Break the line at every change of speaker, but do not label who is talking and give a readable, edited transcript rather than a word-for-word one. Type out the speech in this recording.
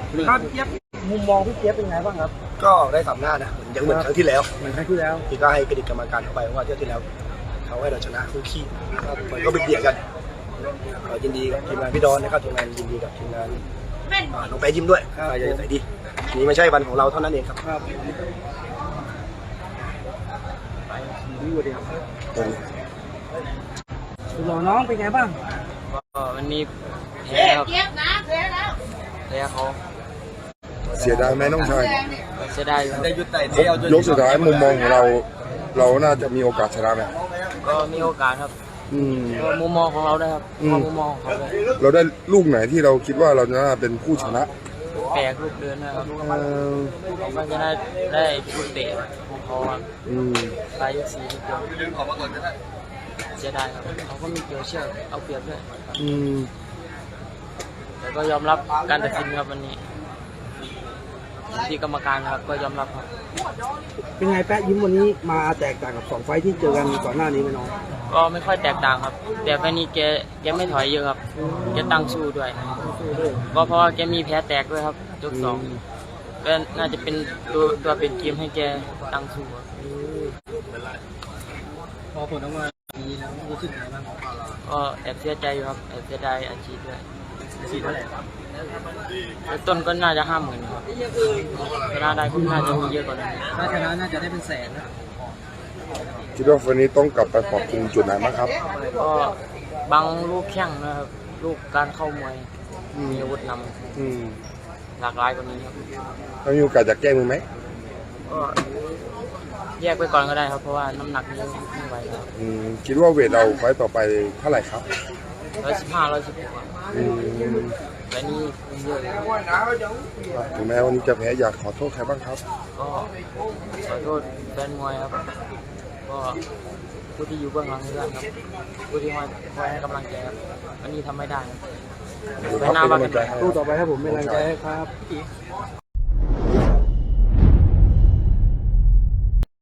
ครับเจี๊ยบมุมมองพี่เจี๊ยบเป็นไงบ้างครับ
ก็ได้สามหน้านะยังเหมือนครั้งที่แล้วที่ก็ให้เครดิตกรรมการเข้าไปว่าเที่ยวที่แล้วเขาให้เราชนะคู่ขี้มันก็เบียดกันยินดีกับทีมงานพี่ดอนนะครับทีมงานยินดีกับทีมงานน้องแป๊ยิ้มด้วยใหญ่ใส่ดีนี่ไม่ใช่วันของเราเท่านั้นเองครับ
หล่อน้องเป็นไงบ้าง
ก็วันนี้แพ้ครับแพ้เขา
เสียดายไหมน้องชาย
เสียดายครับ
ยกสุดท้ายมุมมองของเราน่าจะมีโอกาสชนะไหม
ก็มีโอกาสครับก็มุมมองของเราได้ครับมุมมองของเขาเลย
เราได้ลูกไหนที่เราคิดว่าเราจะน่าเป็นผู้ชนะ
แปลกลูกเดินนะครับมันจะได้ลูกเตะของเขาครับปลายยก4ลูกเดียวเสียดายครับเขาก็มีเกี่ยวเชือกเอาเปรียบด้วยแต่ก็ยอมรับการตัดสินครับวันนี้ที่กรรมการครับก็ยอมรับครับ
เป็นไงแป๊ะยิ้มวันนี้มาแตกต่างกับ2 ไฟท์ที่เจอกันก่อนหน้านี้ไหมน้อง
ก็ไม่ค่อยแตกต่างครับแต่ไฟนี้แกไม่ถอยเยอะครับแกตั้งสู้ด้วยก็เพราะว่าแกมีแผลแตกด้วยครับยก2ก็น่าจะเป็นตัวเป็นเกมให้แกตั้งสู้
พอผลออกมาดีแล้วรู้สึกยังไงบ้าง
ก็แอบเสียใจอยู่ครับแอบเสียดายอาชีพด้วย
เท่าไหร่
ต้นก็น่าจะ50,000ครับชนะได้ก็น่าจะมีเยอะกว่านั้น
ถ้าชนะน่าจะได้เป็นแสนนะ
คิดว่าวันนี้ต้องกลับไปปรับปรุงจุดไหนบ้างครับ
ก็บางลูกแข้งนะครับลูกการเข้ามวยมีอาวุธนำหลากหลายกว่านี้ครับ
ถ้ามีโอกาสจะแก้มือไหม
ก็แยกไปก่อนก็ได้ครับเพราะว่าน้ำหนักนี้ไม่ไหวครับ
คิดว่าเวทเราไฟต่อไปเท่าไหร่ครับ
115 116แต่นี่เยอะเลย
ถึงแม้วันนี้จะแพ้อยากขอโทษใครบ้างครับ
ก็ขอโทษแฟนมวยครับก็ผู้ที่อยู่เบื้องหลังเรื่องครับผู้ที่คอยให้กำลังใจครับวันนี้ทำไม่ได้
ไปหน้าบ้านกัน
ตู้ต่อไปครับผมเป็นกำลังใจให้ครับ